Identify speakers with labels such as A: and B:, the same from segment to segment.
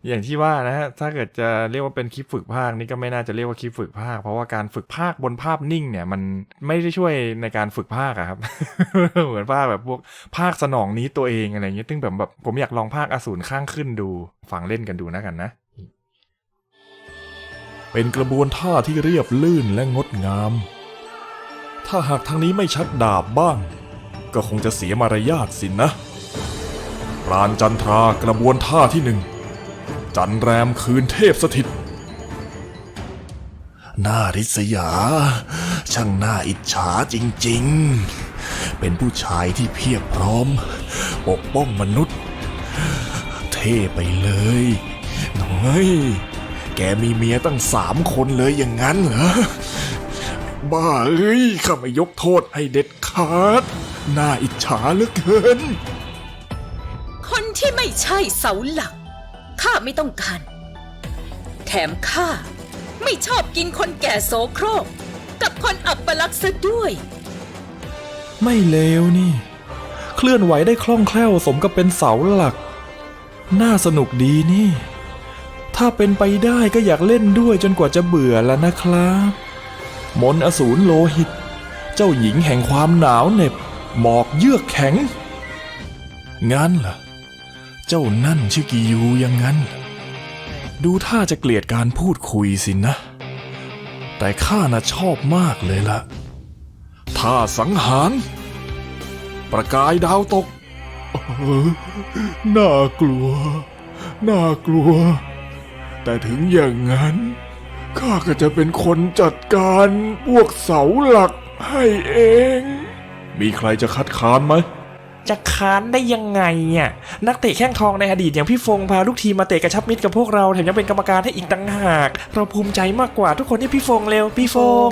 A: อย่างที่ว่านะฮะถ้าเกิดจะเรียกว่าเป็นคลิปฝึกพากย์นี่ก็ไม่น่าจะเรียกว่าคลิปฝึกพากย์เพราะว่าการฝึกพากย์บนภาพนิ่งเนี่ยมันไม่ได้ช่วยในการฝึกพากย์อะครับ เหมือนพากย์แบบพวกพากย์สนองนี้ตัวเองอะไรเงี้ยซึ่งแบบผมอยากลองพากย์อสูรข้างขึ้นดูฟังเล่นกันดูนะกันนะเป็นกระบวนท่าที่เรียบลื่นและงดงามถ้าหากทางนี้ไม่ชักดาบบ้างก็คงจะเสียมารยาทสินะปราณจันทรากระบวนท่าที่หนึ่งจันแรมคืนเทพสถิตน่าริษยาช่างน่าอิจฉาจริงๆเป็นผู้ชายที่เพียบพร้อมปกป้องมนุษย์เท่ไปเลยน้อยแกมีเมียตั้ง3 คนเลยอย่างนั้นเหรอบ้าเอ้ยข้าไม่ยกโทษให้เด็ดขาดน่าอิจฉาเหลือเกิน
B: คนที่ไม่ใช่เสาหลักข้าไม่ต้องการแถมข้าไม่ชอบกินคนแก่โสโครกกับคนอัปลักษณ์ซะด้วย
A: ไม่เลวนี่เคลื่อนไหวได้คล่องแคล่วสมกับเป็นเสาหลักน่าสนุกดีนี่ถ้าเป็นไปได้ก็อยากเล่นด้วยจนกว่าจะเบื่อแล้วนะครับมนต์อสูรโลหิตเจ้าหญิงแห่งความหนาวเหน็บหมอกเยือกแข็งงั้นเหรอเจ้านั่นชื่อกิยูยังงั้นดูท่าจะเกลียดการพูดคุยสินะแต่ข้าน่ะชอบมากเลยล่ะท่าสังหารประกายดาวตกน่ากลัวน่ากลัวแต่ถึงอย่างนั้นข้าก็จะเป็นคนจัดการพวกเสาหลักให้เองมีใครจะคัดค้านไหมจะค้านได้ยังไงอ่ะนักเตะแข้งทองในอดีตอย่างพี่ฟงพาลูกทีมมาเตะกระชับมิตรกับพวกเราแถมยังเป็นกรรมการให้อีกต่างหากเราภูมิใจมากกว่าทุกคนที่พี่ฟงเร็วพี่ฟง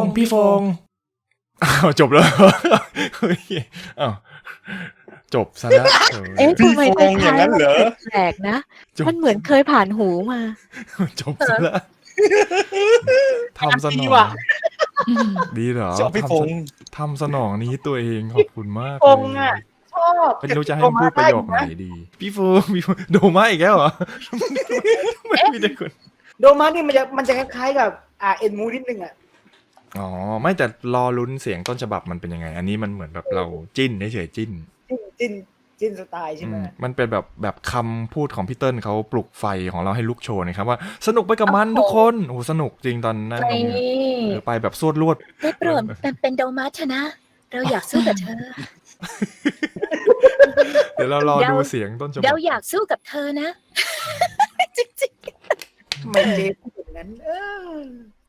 A: อ้าวจบแล้วเฮ้ยอ้าวจบซะแล้ว
C: ทำไมคล้ายๆมันแปลกๆนะมันเหมือนเคยผ่านหูมา
A: จบซะแล้วทำสนองดีเหรอทำสนองนี้ตัวเองขอบคุณมากเลย
D: ชอบ
A: ไม่รู้จะให้พูดประโยคไหนดีพี่ฟูโดมาอีกแล้วเหรอไม่มีแต่คน
D: โดมานี่มันจะคล้ายๆกับเอ็นมูนิดนึงอ่ะ
A: อ๋อไม่แต่รอลุ้นเสียงต้นฉบับมันเป็นยังไงอันนี้มันเหมือนแบบเราจิ้นเฉยๆจิ้น
D: สไตล์ใช่ไหม
A: มันเป็นแบบคำพูดของพี่เติ้ลเขาปลุกไฟของเราให้ลุกโชนนะครับว่าสนุกไปกับมันทุกคนโอ้สนุกจริงตอนนั้นไปแบบสวดลวด
B: ได้โปรดเป็นโดมาชนะเราอยากสู้กับเธอ
A: เดี๋ยวเรารอดูเสียงต้นฉบับ
B: เราอยากสู้กับเธอนะจริงๆ
D: ไม่เจ๊พูดอย่างนั้น